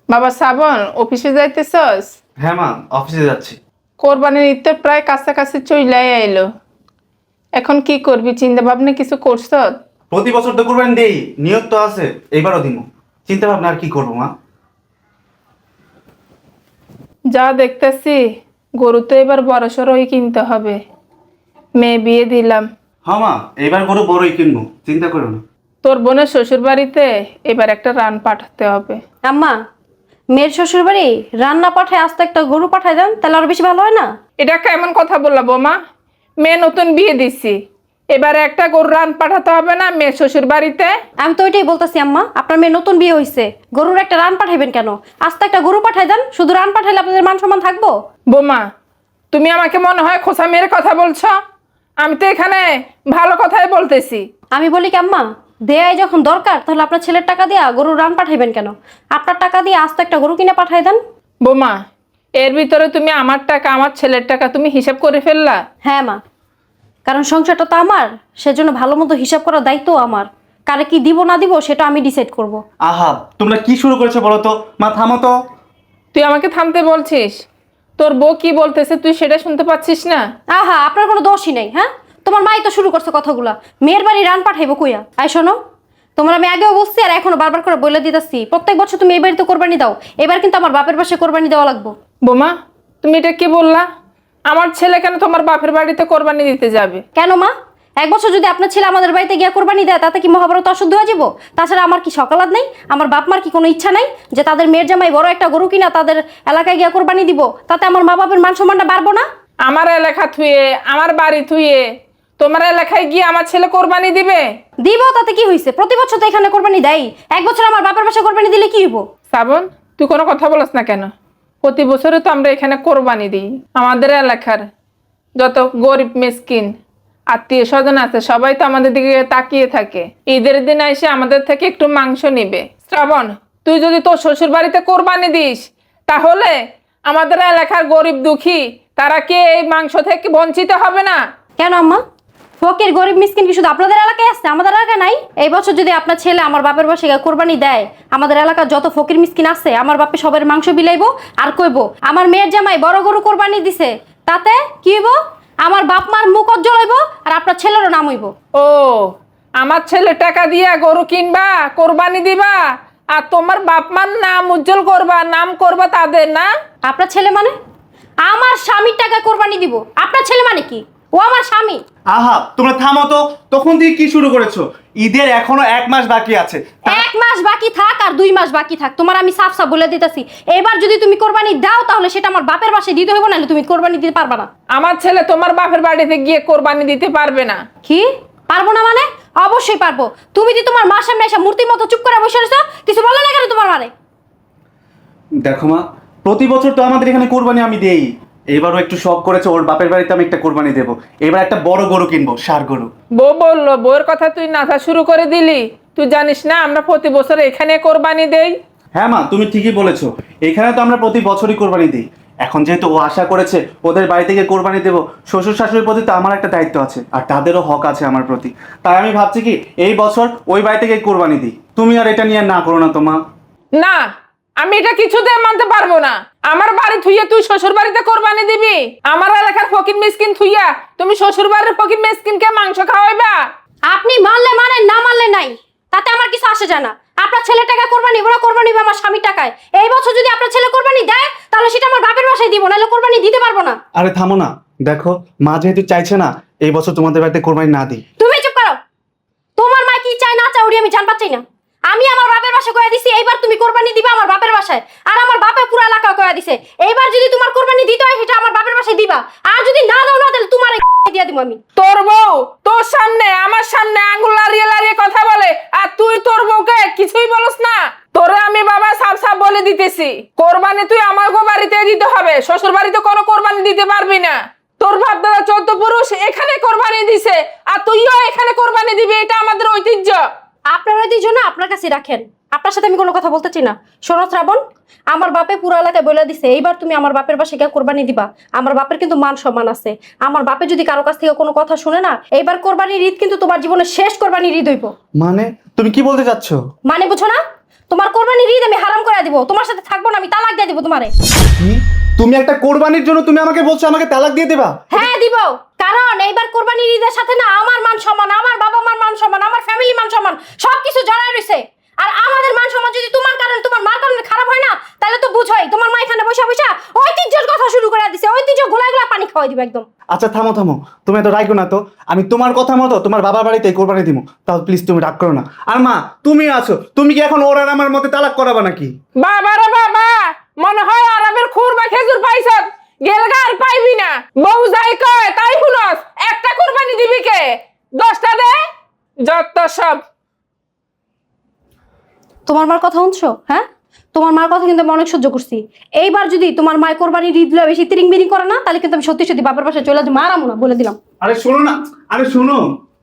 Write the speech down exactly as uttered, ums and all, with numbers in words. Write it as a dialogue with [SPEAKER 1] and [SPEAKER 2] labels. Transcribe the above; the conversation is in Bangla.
[SPEAKER 1] বাবা শ্রাবণ, অফিসে যাইতেছস?
[SPEAKER 2] হ্যাঁ মা, অফিসে যাচ্ছি।
[SPEAKER 1] কোরবানির ঈদ তো প্রায় কাছাকাছি চইলাই আইলো। এখন কি করবি, চিন্তা ভাবনা কিছু করছ?
[SPEAKER 2] প্রতি বছর তো কুরবানি দেই, নিয়ত তো আছে, এবারও দিব। চিন্তা ভাবনা আর কি করবো মা?
[SPEAKER 1] যা দেখতেছি, গরু তো এবার বড়সড়ই কিনতে হবে। মেয়ে বিয়ে দিলাম।
[SPEAKER 2] হ্যাঁ মা, এবার গরু বড়ই কিনবো, চিন্তা করো না।
[SPEAKER 1] তোর বোনের শ্বশুর বাড়িতে এবার একটা রান পাঠাতে হবে।
[SPEAKER 3] আম্মা, মেয়ের শ্বশুর বাড়ি রান্না পাঠায় আস্তে একটা গরু পাঠায় দেন, তাহলে আরো বেশি ভালো হয় না?
[SPEAKER 1] এটা কেমন কথা বললা বৌমা? মেয়ে নতুন বিয়ে দিছি, এবারে একটা গরু রান পাঠাতে হবে না মেয়ের শ্বশুর বাড়িতে?
[SPEAKER 3] আমি তো ওইটাই বলতেছি আম্মা, আপনার মেয়ে নতুন বিয়ে হয়েছে, গরুর একটা রান পাঠাইবেন কেন? আস্তে একটা গরু পাঠায় দেন, শুধু রান পাঠাইলে আপনাদের মান সম্মান থাকবো?
[SPEAKER 1] বোমা, তুমি আমাকে মনে হয় খোসা মেয়ের কথা বলছো। আমি তো এখানে ভালো কথাই বলতেছি।
[SPEAKER 3] আমি বলি কি আম্মা, দেয়াই যখন দরকার তাহলে আপনার ছেলের টাকা দিয়া গরুর রান পাঠাইবেন কেন? আপনার টাকা দিয়ে আস্তে একটা গরু কিনে পাঠায় দেন।
[SPEAKER 1] বোমা, এর ভিতরে তুমি আমার টাকা আমার ছেলের টাকা তুমি হিসাব করে ফেললা?
[SPEAKER 3] হ্যাঁ মা, কারণ সংসারটা তো আমার, সেজন্য ভালো মতো হিসাব করার দায়িত্ব আমার। কারে কি দিব না দিব সেটা আমি ডিসাইড করব।
[SPEAKER 2] আহা, তোমরা কি শুরু করেছো বলো তো? মা থামো তো।
[SPEAKER 1] তুই আমাকে থামতে বলছিস? তোর বউ কি বলতেছে তুই সেটা শুনতে পাচ্ছিস না?
[SPEAKER 3] আহা, আপনার কোনো দোষই নেই। হ্যাঁ, তোমার মাই তো শুরু করছে কথাগুলা। মেয়ের বাড়ি রান পাঠাইবো কইয়া? আই শোনো, তোমার আমি আগেও বলছি আর এখনো বারবার করে বলে দিতেছি, প্রত্যেক বছর তুমি এই বাড়িতে কোরবানি দাও, এবার কিন্তু আমার বাপের পাশে কোরবানি দেওয়া লাগবো।
[SPEAKER 1] বোমা, তুমি এটা কি বললা? আমার ছেলে কেন তোমার বাপের বাড়িতে কোরবানি দিতে যাবে?
[SPEAKER 3] কেন মা? এক বছর যদি আপনার ছেলে আমাদের বাড়িতে গিয়া কোরবানি দেয় তাতে কি মহাভারত অশুদ্ধ হয়ে যাবো? তাছাড়া আমার কি সকালাত নেই? আমার বাপ মার কি কোনো ইচ্ছা নাই যে তাদের মেয়ের জামাই বড় একটা গরু কিনা তাদের এলাকায় গিয়া কোরবানি দিব? তাতে আমার মা বাপের মান সম্মানটা বাড়বো না?
[SPEAKER 1] আমার এলাকা থুয়ে আমার বাড়ি থুয়ে তোমার এলাকায় গিয়ে আমার ছেলে কোরবানি দিবে?
[SPEAKER 3] দিব, তাতে কি হয়েছে? প্রতি বছর তো এখানে কোরবানি দেয়, এক বছর আমার বাপের পাশে কোরবানি দিলে কি হইব?
[SPEAKER 1] শ্রাবণ, তুই কোনো কথা বলস না কেন? প্রতি বছরে তো আমরা এখানে কোরবানি দিই। আমাদের এলাকার যত গরিব মিসকিন আত্মীয় স্বজন আছে সবাই তো আমাদের দিকে তাকিয়ে থাকে, ঈদের দিন এসে আমাদের থেকে একটু মাংস নিবে। শ্রাবণ, তুই যদি তোর শ্বশুর বাড়িতে কোরবানি দিস তাহলে আমাদের এলাকার গরিব দুঃখী তারা কি এই মাংস থেকে বঞ্চিত হবে না?
[SPEAKER 3] কেন আম্মা? ফকির গরিব মিসকিন কি শুধু আপনাদের এলাকায় আছে, আমাদের এলাকায় নাই? এই বছর যদি আপনার ছেলে আমার বাপের বাসে গিয়ে কোরবানি দেয়, আমাদের এলাকার যত ফকির মিসকিন আছে আমার বাপে সবার মাংস বিলাইবো আর কইবো আমার মেয়ের জামাই বড় গরু কোরবানি দিছে। তাতে কি হইব? আমার বাপ মার মুখ উজ্জ্বল হইব আর আপনার ছেলেরও নাম হইব।
[SPEAKER 1] ও, আমার ছেলে টাকা দিয়া গরু কিনবা, কোরবানি দিবা, আর তোমার বাপ মার নাম উজ্জ্বল করবা, নাম করবা তাদের না?
[SPEAKER 3] আপনার ছেলে মানে? আমার স্বামীর টাকা কোরবানি দিব। আপনার ছেলে মানে কি? ও আমার স্বামী।
[SPEAKER 2] আহা, তোমরা থামো তো। তখন থেকে কি শুরু করেছো? ঈদের এখনো এক মাস বাকি আছে।
[SPEAKER 3] এক মাস বাকি থাক আর দুই মাস বাকি থাক, তোমার আমি সাফ সাফ বলে দিতেছি, এবার যদি তুমি কোরবানি দাও তাহলে সেটা আমার বাপের বাসায় দিতে হইব, নাহলে তুমি কোরবানি দিতে পারবা না।
[SPEAKER 1] আমার ছেলে তোমার বাপের বাড়িতে গিয়ে কোরবানি দিতে পারবে না।
[SPEAKER 3] কি পারবো না মানে? অবশ্যই পারবো। তুমি কি তোমার মার সামনে এসে মূর্তির মতো চুপ করে বসে রয়েছো? কিছু বলে না কেন তোমার মানে?
[SPEAKER 2] দেখো মা, প্রতি বছর তো আমাদের এখানে কোরবানি আমি দেই। এবারও একটু শখ করেছে, ওর বাপের বাড়িতে আমি একটা কোরবানি দেবো। এবার একটা বড় গরু কিনবো, ষাঁড় গরু।
[SPEAKER 1] বউ বললো, বউয়ের কথা তুই নাচা শুরু করে দিলি। তুই জানিস না আমরা প্রতি বছর এখানে কোরবানি দেই?
[SPEAKER 2] হ্যাঁ মা, তুমি ঠিকই বলেছো, এখানে তো আমরা প্রতি বছরই কোরবানি দিই। এখন যেহেতু ও আশা করেছে ওদের বাড়ি থেকে কোরবানি দেবো, শ্বশুর শাশুড়ির প্রতি তো আমার একটা দায়িত্ব আছে আর তাদেরও হক আছে আমার প্রতি। তাই আমি ভাবছি কি এই বছর ওই বাড়ি থেকে কোরবানি দিই। তুমি আর এটা নিয়ে না করো না তো মা।
[SPEAKER 1] না, আমি এটা কিছুতে মানতে পারবো না। আমার বাড়ি থুইয়া তুই শ্বশুর বাড়িতে কোরবানি দিবি? আমার এলাকার ফকির মিসকিন থুইয়া তুমি শ্বশুর বাড়ির ফকির মিসকিনকে মাংস খাওয়াইবা?
[SPEAKER 3] আপনি মানলে মানেন, না মানলে নাই, তাতে আমার কিছু আসে যায় না। আপনার ছেলের টাকা কোরবানি, ওরা কোরবানি হবে আমার স্বামীর টাকায়। এই বছর যদি আপনার ছেলে কোরবানি দেয় তাহলে সেটা আমার বাপের বাসায় দিব, নাহলে কোরবানি দিতে পারবো না।
[SPEAKER 2] আরে থামো না, দেখো মা যেহেতু চাইছে না এই বছর তোমাদের বাড়িতে কোরবানি না দিই।
[SPEAKER 3] তুমি চুপ করো। তোমার মা কি চায় না চায় ওরি আমি জান পাচ্ছি না। আমি আমার বাপের বাসায় কয়া দিছি এইবার তুমি কোরবানি দিবা আমার বাপের বাসায়, আর আমার বাপে পুরো এলাকা কয়া দিছে এইবার যদি তোমার কোরবানি দিতে হয় সেটা আমার বাপের বাসায় দিবা, আর যদি না দাও না তাহলে তোমার দিয়া দিব আমি।
[SPEAKER 1] তোর বউ তোর সামনে আমার সামনে আঙ্গুল লাড়িয়ে লাড়িয়ে কথা বলে, আর তুই তোর বউকে কিছুই বলস না। তোরে আমি বাবা সাফ সাফ বলে দিতেছি, কোরবানি তুই আমাকে বাড়িতে দিতে হবে, শ্বশুর বাড়িতে কোনো কোরবানি দিতে পারবি না। তোর বাপ দাদা চৌদ্দ পুরুষ এখানে কোরবানি দিছে, আর তুইও এখানে কোরবানি দিবি, এটা আমাদের ঐতিহ্য।
[SPEAKER 3] আপনার ঐতিহ্য না আপনার কাছে রাখেন, আপনার সাথে আমি কোনো কথা বলতে চাই না। শোনো শ্রাবণ, আমার বাপে পুরো এলাকায় বলে দিছে এইবার তুমি আমার বাপের বাসায় গিয়ে কোরবানি দিবা। আমার বাপের কিন্তু মান সম্মান আছে। আমার বাপে যদি কারো কাছ থেকে কোনো কথা শুনে না, এইবার কোরবানির ঈদ কিন্তু তোমার জীবনের শেষ কোরবানির ঈদ হইব।
[SPEAKER 2] মানে তুমি কি বলতে চাচ্ছ?
[SPEAKER 3] মানে বুঝো না? তোমার কোরবানির ঈদ আমি হারাম করে দিব, তোমার সাথে থাকবো না, আমি তালাক দিয়ে দিব তোমারে।
[SPEAKER 2] কি তুমি একটা কোরবানির জন্য তুমি আমাকে বলছো আমাকে তালাক দিয়ে দেবা?
[SPEAKER 3] হ্যাঁ দিব, কারণ এইবার কোরবানির ঈদের সাথে না আমার মান সম্মান, আমার বাবা মার মান সম্মান, আমার ফ্যামিলি মান সম্মান সবকিছু জড়ায় রয়েছে। আর আমাদের মান সম্মান যদি তোমার কারণে, তোমার মার কারণে খারাপ হয় না, তাহলে তো বুঝোই তোমার মা এখানে বসে বসে ঐতিহ্যের কথা শুরু করে দিছে, ঐতিহ্য গোলা গোলা পানি খাওয়াই দিবে একদম।
[SPEAKER 2] আচ্ছা থামো থামো, তুমি এত রাগ না তো। আমি তোমার কথা মতো তোমার বাবার বাড়িতে কোরবানি দিব, তাও প্লিজ তুমি রাগ করো না। আর মা তুমি আছো, তুমি কি এখন ওর আর আমার মতে তালাক করাবা নাকি?
[SPEAKER 1] বাবা রে বাবা, মনে হয় আরামের খুর বা খেজুর পাইছ, গেলগা আর পাইবি না। বউ যাই কয় তাই শুনস, একটা কোরবানি দিবি কে? দশটা দে, যত সব।
[SPEAKER 3] তোমার মার কথা শুনছো? হ্যাঁ, তোমার মার কথা কিন্তু আমি অনেক সহ্য করছি। এইবার যদি তোমার মায়ের কোরবানির ঈদ বেশি তিরিং বিরিং করে না, তাহলে কিন্তু আমি সত্যি সত্যি বাপের পাশে চলে যাবো, মারামো না বলে দিলাম।
[SPEAKER 2] আরে শোনো না, আরে শোনো,